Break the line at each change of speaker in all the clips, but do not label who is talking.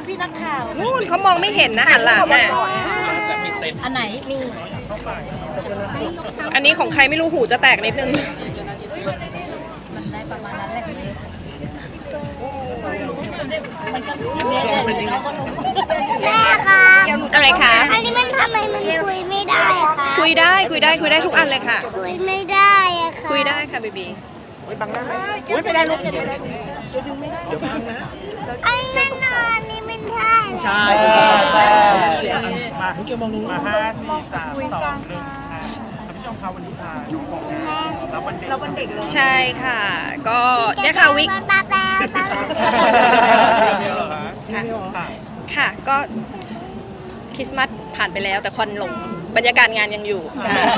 พี่นักข่าว
นู่นเขามองไม่เห็นนะหันหลังน่ะ
อันไหนมี
อันนี้ของใครไม่รู้หูจะแตกนิดนึง
มันได้ประมาณนั้นแหละแม่ค่ะ
อะไรคะ
อันนี้มันทำไมมันคุยไม่ได้คะ
คุยได้ทุกอันเลยค่ะ
คุยไม่ได้อะค่ะ
คุยได้ค่ะบีบี
บังได้ไหมไม่ได้ลูกเดี๋
ยวบังนะไอ้นั่นน่ะนี่ไม่ได้
ใช่มาเกี่ยวมองนู้นมา5 4 3 2 1ท่านผู้ชมครับวันนี้พาน้องบอกนะรับวันเด็ก
ใช่ค่ะ ก็เนี่ยค่ะวิกค่ะก็คริสต์มาสผ่านไปแล้วแต่ควันหลงบรรยากาศงานยังอยู่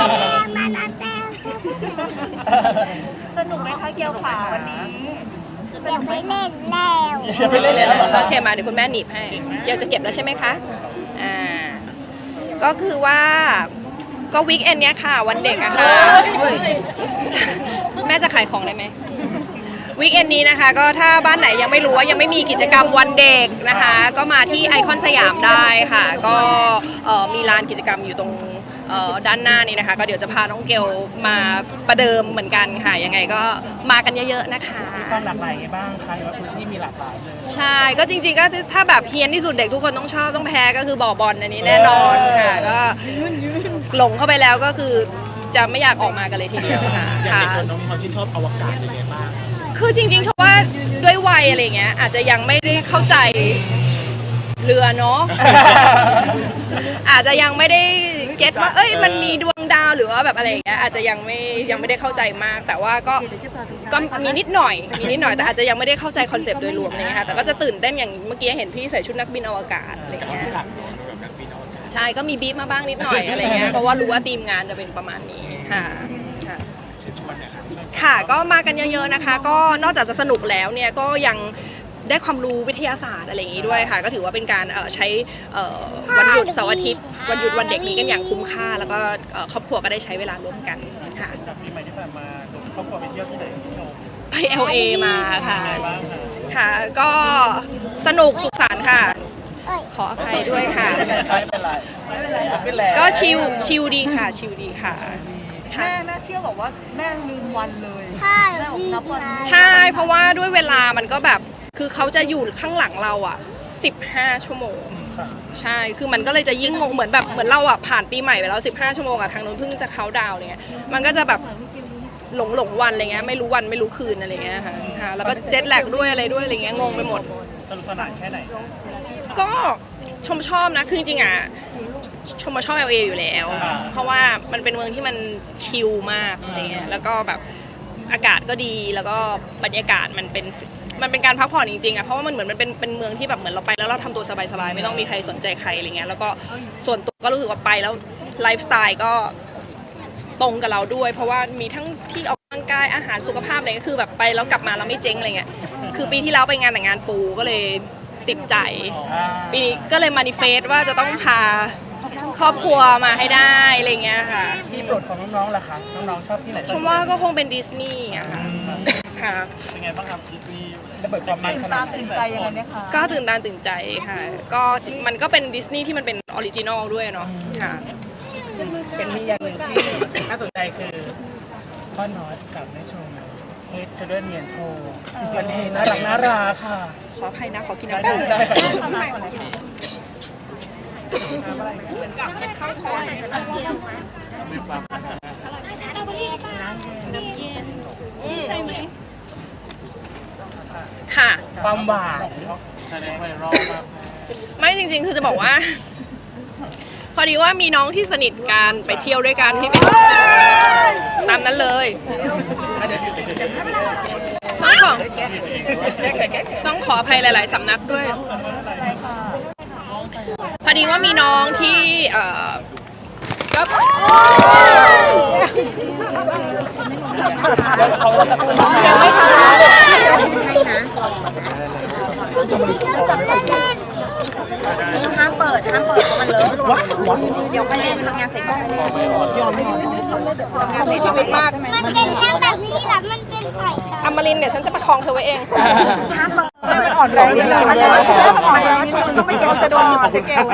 สนุกไหมคะเกียวขาวันนี้
อย่าไปเล่นแล้ว
โอเคมาเดี๋ยวคุณแม่หนีบให้เกียวจะเก็บแล้วใช่ไหมคะก็คือว่าก็วีคเอนเนี้ยค่ะวันเด็กอะค่ะแม่จะขายของได้ไหมวีคเอนนี้นะคะก็ถ้าบ้านไหนยังไม่รู้ว่ายังไม่มีกิจกรรมวันเด็กนะคะก็มาที่ไอคอนสยามได้ค่ะก็มีลานกิจกรรมอยู่ตรงด้านหน้านี้นะคะก็เดี๋ยวจะพาน้องเกลมาประเดิมเหมือนกันค่ะยังไงก็มากันเยอะๆนะคะ
มีความหลากหลายไงบ้างใครว่าพื้นที่มีหลากหลายเลย
ใช่ก็จริงๆก็ถ้าแบบเฮี้ยนที่สุดเด็กทุกคนต้องชอบต้องแพ้ก็คือบ่อบอลอันนี้แน่นอนค่ะก็หลงเข้าไปแล้วก็คือจะไม่อยากออกมากันเลยทีเดียวค่ะ
อย่างเด็กคนน้องมีความชื่นชอบอวกาศยังไงบ้าง
คือจริงๆชอบว่าด้วยวัยอะไรเงี้ยอาจจะยังไม่ได้เข้าใจเรือเนาะอาจจะยังไม่ได้เก็ตว่ามันมีดวงดาวหรือว่าแบบอะไรอย่างเงี้ยอาจจะยังไม่ได้เข้าใจมากแต่ว่าก็มีนิดหน่อยแต่อาจจะยังไม่ได้เข้าใจคอนเซปต์โดยรวมอะไรเงี้ยค่ะแต่ก็จะตื่นเต้นอย่างเมื่อกี้เห็นพี่ใส่ชุดนักบินอวกาศอะไรเงี้ยใช่ก็มีบีบมาบ้างนิดหน่อยอะไรเงี้ยเพราะว่ารู้ว่าทีมงานจะเป็นประมาณนี้ค่ะค่ะก็มากันเยอะๆนะคะก็นอกจากจะสนุกแล้วเนี่ยก็ยังได้ความรู้วิทยาศาสตร์อะไรอย่างนี้ด้วยค่ะก็ถือว่าเป็นการใช้วันหยุดเสาร์อาทิตย์วันหยุดวันเด็กนี้กันอย่างคุ้มค่าแล้วก็ครอบครัวก็ได้ใช้เวลาร่วมกันค่ะ
ปีใหม่ที่ผ่านมาครอบครัวไปเที่ยวที่ไหนพี่ชม
ไป LA มาค่ะค่ะก็สนุกสุขสันต์ค่ะขออภัยด้วยค่ะ
ไม่เป็นไร
ก็ชิลดีค่ะชิลดีค่ะ
แม่เชื่อบอกว่าแม่ลืมวันเลย
ใช่เพราะว่าด้วยเวลามันก็แบบคือเขาจะอยู่ข้างหลังเราอ่ะ15 ชั่วโมงใช่คือมันก็เลยจะยิ่งงงเหมือนเราอ่ะผ่านปีใหม่ไปแล้ว15 ชั่วโมงอ่ะทางนู้นเพิ่งจะเขาดาวอะไรเงี้ยมันก็จะแบบหลงวันอะไรเงี้ยไม่รู้วันไม่รู้คืนอะไรเงี้ยค่ะแล้วก็เจ็ตแลกด้วยอะไรด้วยอะไรเงี้ยงงไปหมด
สนุกสนานแค่ไหน
ก็ชอบนะคือจริงๆอ่ะชมมาชอบ LA อยู่แล้วเพราะว่ามันเป็นเมืองที่มันชิลมากอะไรเงี้ยแล้วก็แบบอากาศก็ดีแล้วก็บรรยากาศมันเป็นการพักผ่อนจริงๆอ่ะเพราะว่ามันเหมือนมันเป็นเมืองที่แบบเหมือนเราไปแล้วเราทำตัวสบายๆไม่ต้องมีใครสนใจใครอะไรเงี้ยแล้วก็ส่วนตัวก็รู้สึกว่าไปแล้วไลฟ์สไตล์ก็ตรงกับเราด้วยเพราะว่ามีทั้งที่ออกกำลังกายอาหารสุขภาพอะไรก็คือแบบไปแล้วกลับมาเราไม่เจ๊งอะไรเงี้ยคือปีที่แล้วไปงานแต่งงานปูก็เลยติดใจปีนี้ก็เลยมานิเฟสว่าจะต้องพาครอบครัวมาให้ได้อะไรเงี้ยค่ะ
ที่โปรดของน้องๆล่ะคะน้องๆชอบที่ไหน
ชมว่าก็คงเป็นดิสนีย์อะค่ะ
เป็นไงบ้างครับดิสนีย์ระเบิดความมันขนาด
ตื่นใจยังไงเนี่ยคะ
ก็ตื่นตาตื่นใจค่ะก็มันก็เป็นดิสนีย์ที่มันเป็นออริจินอลด้วยเนาะค่ะ
เป็นมีอย่างหนึ่งที่น่าสนใจคือพ่อน็อตกับแม่ชมเฮดจะด้วยเนียนโชว์กันเทน่ารักค่ะ
ขออภัยนะขอกินน้ำได้ข้าวคอยค่ะ
ความหวานแสดงไวรัลมาก
ไม่จริงๆคือจะบอกว่าพอดีว่ามีน้องที่สนิทกันไปเที่ยวด้วยกันที่เป็นตามนั้นเลยต้องขออภัยหลายๆสำนักด้วยพอดีว่ามีน้องที่ก็ยังไม่ทัน
ห้ามเปิดเพราะมันเลอะเดี๋ยวไปเล่นทำงานเสร็จก็ไปเล่นงานเสียชีวิตมาก
มันเป็นแค่แบบนี้แหละมันเป็นไข่
อมรินทร์เดี๋ยวฉันจะประคองเธอไว้เอง
ห้ามเปิด
มันอ่อนแรงเลยนะ
มันเลอะชุดมันเลอะชุดต้องไปเก็บชุดก่อน
เจ๊เกล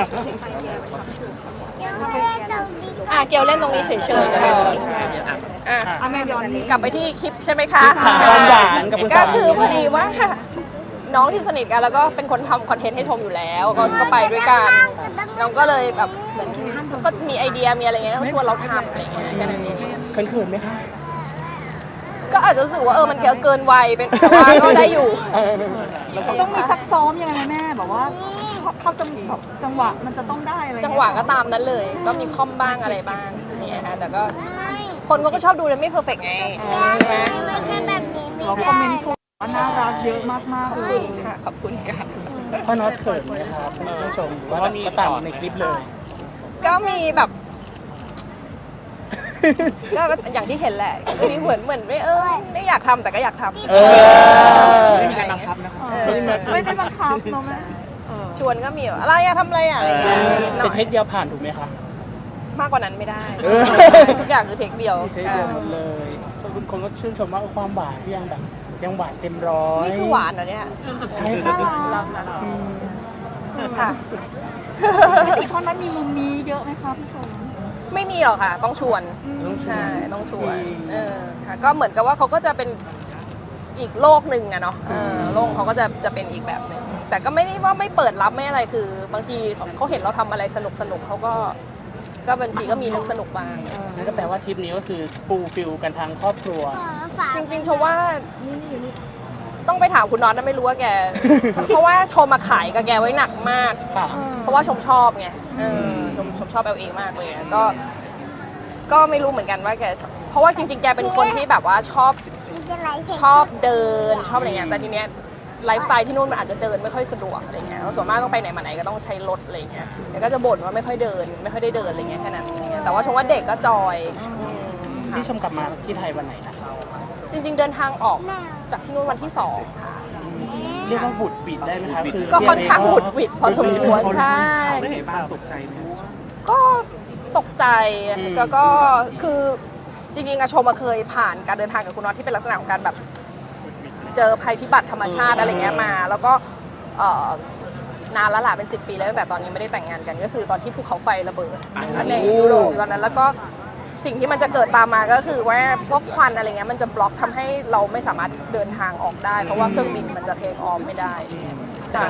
เกลเล่นตรงนี้เฉยๆนะแม่ย้อนกลับไปที่คลิปใช่ไหมคะ
ความหวานกับคุณสา
ก็
มี
คือพอดีว่าน้องที่สนิทกันแล้วก็เป็นคนทำคอนเทนต์ให้ชมอยู่แล้วก็ไปด้วยกันน้องก็เลยแบบเหมือนก็มีไอเดียมีอะไรเงี้ยก็ชวนเราทำอะไรเงี้ยแค่นั้นเอง
เขินๆไหมคะ
ก็อาจจะรู้สึกว่ามันเกินวัยเป็นแต่ว่าก็ได้อยู่
ต้องมีซักซ้อมยังไงไหมแม่แบบว่าเข้าจังหวะมันจะต้องได้อะไร
จังหวะก็ตามนั้นเลย ก็มีคอมบ้างอะไรบ้างเนี่ยฮะแต่ก็คนก็ชอบดูเลยไม่เพอร์เฟกต์ไงใช่ไหม
เราคอมเมนต์ชมว่าน่ารักเยอะมากๆเลย
ค่ะขอบคุณค่ะ
พ่อน็อตเขินไหมครับท่านผู้ชมหรือว่าก็ตามในคลิปเลย
ก็มีแบบก็อย่างที่เห็นแหละก็มีเหมือนไม่อยากทำแต่ก็อยากทำ
ไม่มีการบังคับนะครับ
ไม่ได้บังคับเนาะแม่
ชวนก็มีแบบอะไรอะทำอะไรอะอะไรเงี้ยนิดหน่
เป็
อน
เท
ย
คเดียวผ่านถูกไหมคะ
มากกว่านั้นไม่ได้
เออ
ทุกอย่างคือเทคเดียว
เทคเดียวหมดเลยคุณคนก็ชื่นชมว่าความหวานที่ยังแบบยังหวานเต็มร้อย
นี่คือหวานเหรอเนี่ย
ใช่ค่ะ
ค่ะ
อีกคนนั้นมีมุมนี้เยอะไหมคะพี่ชม
ไม่มีหรอกค่ะ ต้องชวนใช่ต้องชวนค่ะก็เหมือนกับว่าเขาก็จะเป็นอีกโลกหนึ่งอะเนาะโลกเขาก็จะเป็นอีกแบบหนึ่งแต่ก็ไม่ได้ว่าไม่เปิดรับไม่อะไรคือบางทีเขาเห็นเราทำอะไรสนุกเขาก็บางทีก็มีนึกสนุกบ้าง
นั่นก็แปลว่าทริปนี้ก็คือฟูลฟิลกันทางครอบครัว
จริงๆชมว่าต้องไปถามคุณน็อตนะไม่รู้ว่าแก เพราะว่าชมมาขายกับแกไว้หนักมาก
ค่ะ
เพราะว่าชมชอบไงชมชอบLAมากเลยก็ไม่รู้เหมือนกันว่าแกเพราะว่าจริงๆแกเป็นคนที่แบบว่าชอบเดินชอบอะไรเงี้ยแต่ทีเนี้ยไลฟ์สไตล์ที่นู่นมันอาจจะเดินไม่ค่อยสะดวกอะไรเงี้ยส่วนมากต้องไปไหนมาไหนก็ต้องใช้รถอะไรเงี้ยแล้วก็จะบ่นว่าไม่ค่อยได้เดินอะไรเงี้ยแค่นั้นแต่ว่าชมว่าเด็กก็จอย
ที่ชมกลับมาที่ไทยวันไหนนะคะ
จริงๆเดินทางออกจากที่นู่นวันที่2ค่ะ
เรียกว่าบุดบิดได้ไหมคะคือ
ก็ค่อนข้างหวุดหวิดพอสมควรใช่
ได้ไงบ้างตกใจไหม
ก็ตกใจแล้วก็คือจริงๆอะชมมาเคยผ่านการเดินทางกับคุณน็อตที่เป็นลักษณะของการแบบเจอภัยพิบัติธรรมชาติอะไรเงี้ยมาแล้วก็นานแล้วล่ะเป็น10 ปีแล้วตั้งแต่ตอนนี้ไม่ได้แต่งงานกันก็คือตอนที่ภูเขาไฟระเบิดในยุโรปตอนนั้นแล้วก็สิ่งที่มันจะเกิดตามมาก็คือว่าพวกควันอะไรเงี้ยมันจะบล็อกทำให้เราไม่สามารถเดินทางออกได้เพราะว่าเครื่องบินมันจะเทคออฟไม่ได้แต่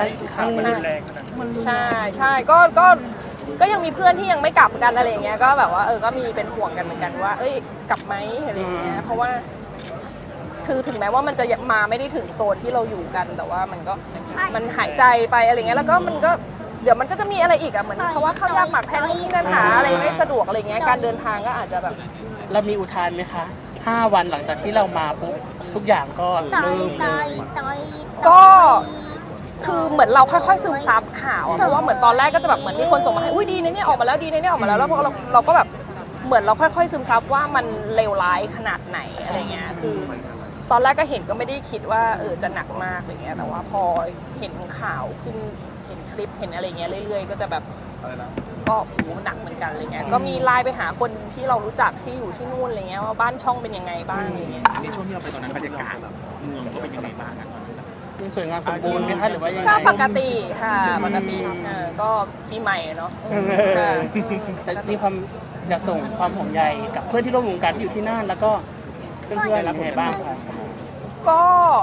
ใช่ก็ยังมีเพื่อนที่ยังไม่กลับกันอะไรอย่างเงี้ยก็แบบว่าก็มีเป็นห่วงกันเหมือนกันว่าเอ้ยกลับไหมอะไรอย่างเงี้ยเพราะว่าคือถึงแม้ว่ามันจะมาไม่ได้ถึงโซนที่เราอยู่กันแต่ว่ามันหายใจไปอะไรเงี้ยแล้วก็มันก็เดี๋ยวมันก็จะมีอะไรอีกอะเหมือนเพราะว่าเข้ายากหมากแพงที่นั่นหาอะไรไม่สะดวกอะไรเงี้ยการเดินทางก็อาจจะแบบ
เรามีอุทานไหมคะ 5 วันหลังจากที่เรามาปุ๊บทุกอย่างก็เริ่มเลย
ก็คือเหมือนเราค่อยๆซึมซับข่าวอะเพราะว่าเหมือนตอนแรกก็จะแบบเหมือนมีคนส่งมาให้อุ้ยดีนะเนี่ยออกมาแล้วดีนะเนี่ยออกมาแล้วแล้วพอเราก็แบบเหมือนเราค่อยๆซึมซับว่ามันเลวร้ายขนาดไหนอะไรเงี้ยคือตอนแรกก็เห็นก็ไม่ได้คิดว่าจะหนักมากอะไรเงี้ยแต่ว่าพอเห็นข่าวขึ้นเห็นคลิปเห็นอะไรเงี้ยเรื่อยๆก็จะแบบก็โอ้หนักเหมือนกันอะไรเงี้ยก็มีไลน์ไปหาคนที่เรารู้จักที่อยู่ที่นู่นอะไรเงี้ยว่าบ้านช่องเป็นยังไงบ้างอะไรเงี้ย
ในช่วงที่เราไปตอนนั้นบรรยากาศเมืองก็เป็นยังไงบ้างอะตอนนั้น
ยังสวยงามสมบูรณ์ไหมคะหรือว่ายังไง
ก็ปกติค่ะปกติก็ปีใหม่เนาะค่ะ
แต่มีความอยากส่งความห่วงใยกับเพื่อนที่ร่วมวงการที่อยู่ที่นั่นแล้วก็เพื่อนๆยังไงบ้างคะ
ก็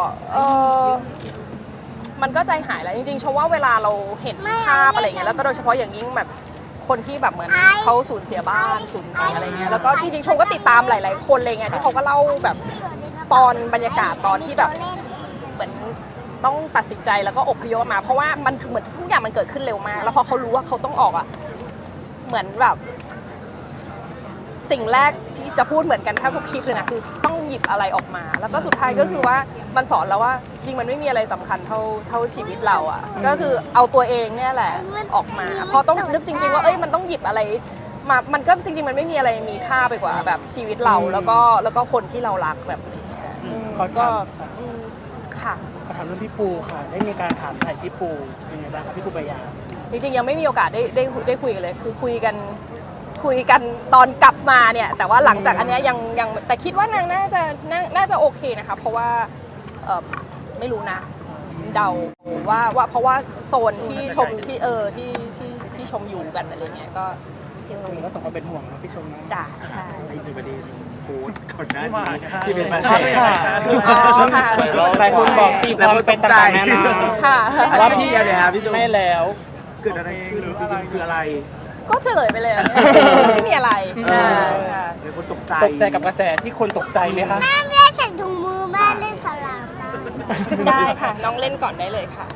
มันก็ใจหายแล้วจริงๆชมว่าเวลาเราเห็นภาพอะไรเงี้ยแล้วก็โดยเฉพาะอย่างยิ่งแบบคนที่แบบเหมือนเขาสูญเสียบ้านสูญอะไรเงี้ยแล้วก็จริงๆชมก็ติดตามหลายๆคนเลยไงที่เขาก็เล่าแบบตอนบรรยากาศตอนที่แบบเหมือนต้องตัดสินใจแล้วก็อพยพมาเพราะว่ามันเหมือนทุกอย่างมันเกิดขึ้นเร็วมากแล้วพอเขารู้ว่าเขาต้องออกอ่ะเหมือนแบบสิ่งแรกที่จะพูดเหมือนกันแทบทุกคลิปเลยนะคือต้องหยิบอะไรออกมา แล้วก็สุดท้ายก็คือว่ามันสอนเราว่าจริงมันไม่มีอะไรสำคัญเท่าชีวิตเราอ่ะก็คือเอาตัวเองเนี่ยแหละออกมาพอต้องนึกจริงๆว่ามันต้องหยิบอะไรมามันก็จริงๆมันไม่มีอะไรมีค่าไปกว่าแบบชีวิตเราแล้วก็คนที่เรารักแบบนี้ก็ค่ะ
ขอถามเรื่องพี่ปูค่ะ ได้มีการถามถ่ายพี่ปูยังไงบ้างคะพี่ปูปยา
จริงๆยังไม่มีโอกาสได้คุยกันเลยคือคุยกันตอนกลับมาเนี่ยแต่ว่าหลังจากอันเนี้ยยังแต่คิดว่านางน่าจะโอเคนะคะเพราะว่าไม่รู้นะจเดาว่าเพราะว่าโซนที่ชมที่ที่ชมอยู่กันอะไรเงี้ยก็
ตรงนี้ก็สมควรเป็นห่วงนะพี่ชมนะ
จ่าใช่
ไอ้ประเด็นโพสต์ก่อนหน้านี้ที่เป็นประเด็น
ค่ะ
อ๋อค่ะ
หลายคนบอกตีความเป็นต่างๆนานา
ค่ะ
ว่าพี่อะไรครับพี่ชม
ไม่แล้ว
เกิดอะไรขึ้นจริงๆคืออะไร
ก็เฉลยไปเลยอะไม่มีอะไรค่ะ
หลายคนตกใจ
ตกใจกับกระแสที่คนตกใจไหมคะ
แม่ไม่ได้ใส่ถุงมือแม่เล่นสลามนะ
ได้ค่ะ น้องเล่นก่อนได้เลยค่ะ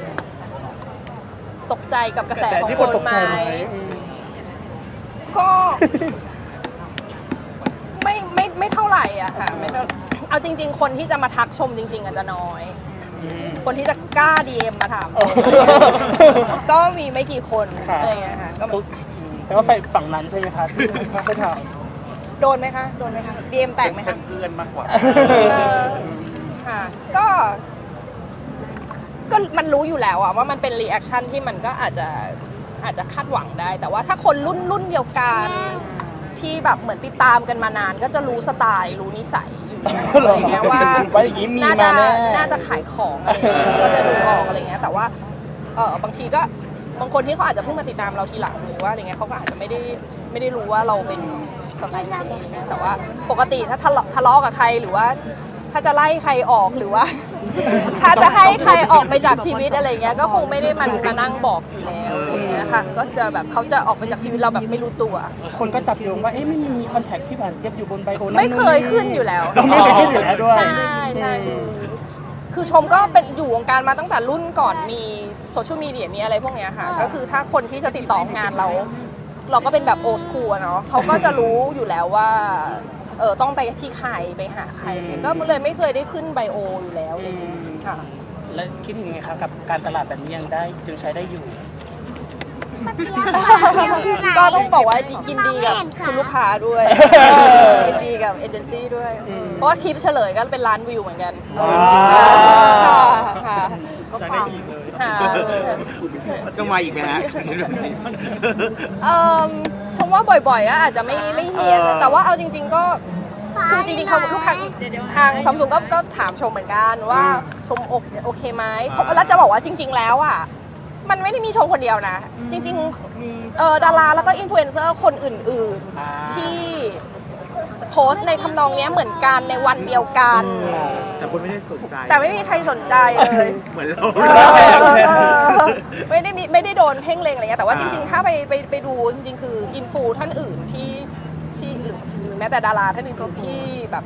ตกใจกับกระแสของ
ที่
ค
คน
น
ตก
ไหม
ใจไหม
ก็ ไม่เท่าไหร่อะค่ะไม่เท่าเอาจริง ๆ คนที่จะมาทักชมจริง ๆอาจจะน้อย คนที่จะกล้า DM มาถาม ก็มีไม่กี่คนอะไรอย่างเงี้ยค่ะก็
แล้วก็ฝั่งนั้นใช่ไหมคะที่เขาไปถาม
โดนไหมคะ DM แตกไหมคะ
เพื่อนมากกว่า
ค่ะก็มันรู้อยู่แล้วอะว่ามันเป็นรีแอคชั่นที่มันก็อาจจะคาดหวังได้ แต่ว่าถ้าคนรุ่นเดียวกันที่แบบเหมือนติดตามกันมานาน ก็จะรู้สไตล์รู้นิสัยอยู่อะไรเงี้ยว่า
ว่าอย่างนี้มี
น่า
มา
จะ
แน่
น่าจะขายของอะไรเงี้ยก็จะดูออกอะไรเงี้ยแต่ว่าบางทีก็บางคนที่เขาอาจจะเพิ่งมาติดตามเราทีหลังหรือว่าอะไรเงี้ยเขาก็อาจจะไม่ได้รู้ว่าเราเป็นสไตล์ไหนอะไรเงี้ยแต่ว่าปกติถ้าทะเลาะกับใครหรือว่าถ้าจะไล่ใครออกหรือว่า ถ้าจะให้ใครออกไปจากชีวิตอะไรเงี้ยก็คงไม่ได้มานั่งบอกอยู่แล้วอะไรเงี้ยค่ะก็จะแบบเขาจะออกไปจากชีวิตเราแบบไม่รู้ตัว
คนก็จับโยงว่าเอ๊ะไม่มีคอนแทคพี่หวานเจี๊ยบอยู่บนไบโอนั่น
ไม่เคยขึ้นอยู่แล้ว
ไม่เคยขึ้นอยู่แล้วด้วย
ใช่คือชมก็เป็นอยู่วงการมาตั้งแต่รุ่นก่อนมีโซเชียลมีเดียมีอะไรพวกเนี้ยค่ะก็คือถ้าคนที่จะติดต่องานเราก็เป็นแบบโอสคูลเนาะเขาก็จะรู้อยู่แล้วว่าต้องไปที่ใครไปหาใครก็เลยไม่เคยได้ขึ้นไบโออยู่แล้วค่ะ
แล้วคิดยังไงคะกับการตลาดแบบนี้ยังใช้ได้อยู่
ป้าเจี๊ยบค่ะเดี๋ยวอยู่ไหน
ก็ต้องบอกว่ายินดีกับคุณลูกค้าด้วยยินดีกับเอเจนซี่ด้วย เพราะว่าคลิปเฉลยก็เป็นล้านวิวเหมือนกันค่ะก็ปังค่ะ
จะมาอีกไหมฮะ
ชมว่าบ่อยๆก็อาจจะไม่เฮียนแต่ว่าเอาจริง ๆก็คือจริงๆเขาลูกค้าทางซัมซุงก็ถามชมเหมือนกันว่าชมโอเคไหมแล้วจะบอกว่าจริง ๆ แล้วอ่ะมันไม่ได้มีชมคนเดียวนะ จริงๆดาราแล้วก็อินฟลูเอนเซอร์คนอื่นๆที่โพสต์ในทำนองนี้เหมือนกันในวันเดียวกัน
แต่คนไม่ได้สนใจ
แต่ไม่มีใครสนใจเลย
เหมือนเรา
ไม่ได้โดนเพ่งเลงอะไรเงี้ยแต่ว่าจริงๆถ้าไปดูจริงๆคืออินฟูท่านอื่นที่หรือแม้แต่ดาราท่านอื่นที่แบบ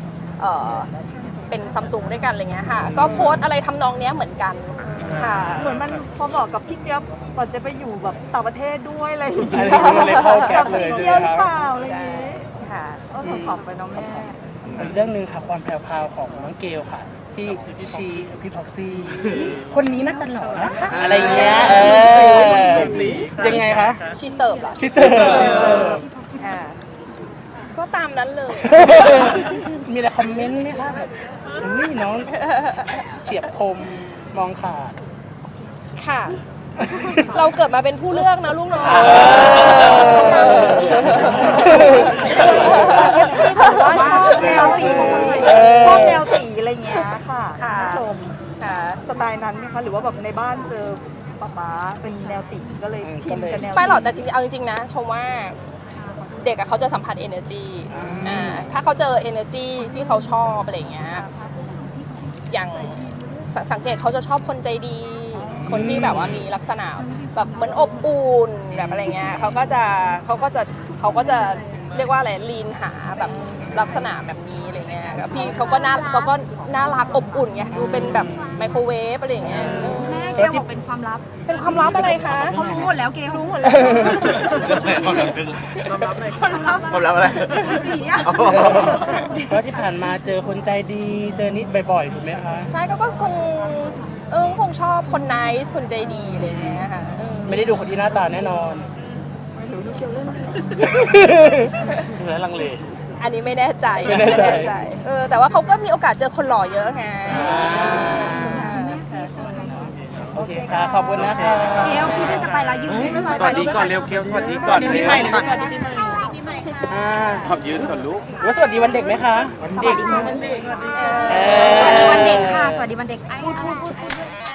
เป็นซัมซุงด้วยกันอะไรเงี้ยค่ะก็โพสต์อะไรทำนองเนี้ยเหมือนกันค่ะ
เหมือนมันพอบอกกับพี่เจี๊ยบก่อนจะไปอยู่แบบต่างประเทศด้วยอะไรอย่าง
อั
เงี้
น
ย
นี้มันเลยเข้าแก๊ปเลย
เที่
ใช่
ยว
ไหม
หรือ
ค
เป
รับ
ล่าอะไรอย่างเงี้ย
ค่ะ
ก็ขอบไปน้องแม่
อีกเรื่องหนึ่งค่ะความแพรวๆของน้องเกลค่ะ ที่ชีพี่พ็อกซี่คนนี้น่าจะหล่อนะคะอะไรเงี้ยยังไงคะ
ชีเสิร์ฟเหรอ
ชิเซอร์
ก็ตามนั้นเลย
มีอะไรคอมเมนต์ไหมคะแบบอุ้ยน้องเฉียบคมมองขาด
ค่ะ เราเกิดมาเป็นผู้เลือกนะลูกเนาะ
ว่าชอบแนวสีชอบแนวสีอะไรเงี้ยค่ะ
ค่ะ
ผู้ชม
ค่ะ
สไตล์นั้นไหมคะหรือว่าแบบในบ้านเจอป๊าเป็นแนวตีก็เลยชินกับแนว
ไม่หรอกแต่จริงๆเอาจริงๆนะชมว่าเด็กอะเขาจะสัมผัส energy ถ้าเขาเจอ energy ที่เขาชอบอะไรอย่างเงี้ยอย่างสังเกตเขาจะชอบคนใจดี คนที่แบบว่ามีลักษณะแบบเหมือนอบอุ่นแบบอะไรเงี้ยเขาก็จะเรียกว่าอะไรลีนหาแบบลักษณะแบบนี้อะไรเงี้ยพี่เขาก็น่ารักอบอุ่นไงดูเป็นแบบไมโครเวฟอะไรอย่างเงี้ย
แม่เกลบอกเป็นความลับ
เป็นความลับอะไรคะ
เขารู้หมดแล้วเกลรู้หมดแล้ว
ความลับอะไร
ผีอะ
เพราะที่ผ่านมาเจอคนใจดีเจอนิดบ่อยๆถูกไหมคะ
ใช่ก็คงชอบคน nice คนใจดีอะไรอย่างเงี้ยค่ะ
ไม่ได้ดูคนที่หน้าตาแน่นอนเหลือลังเล
อันนี้ไม่แน่ใจ
ไม่แน่ใจ
แต่ว่าเขาก็มีโอกาสเจอคนหล่อเยอะไง
โอเคค่ะขอบคุณนะคะ
เกลพี่เพิ่งจะไปแล้วยืนไม่ไหว
สวัสดีก่อนเร็วเคียวสวัสดีก่อนเร็ว
สวัสดีปีใหม่ค่ะ
ขอบยืนก่อนลูก
แล้วสวัสดีวันเด็กไหมคะ
วันเด็ก
สวัสดีวันเด็กค่ะ สวัสดีวันเด็กพูด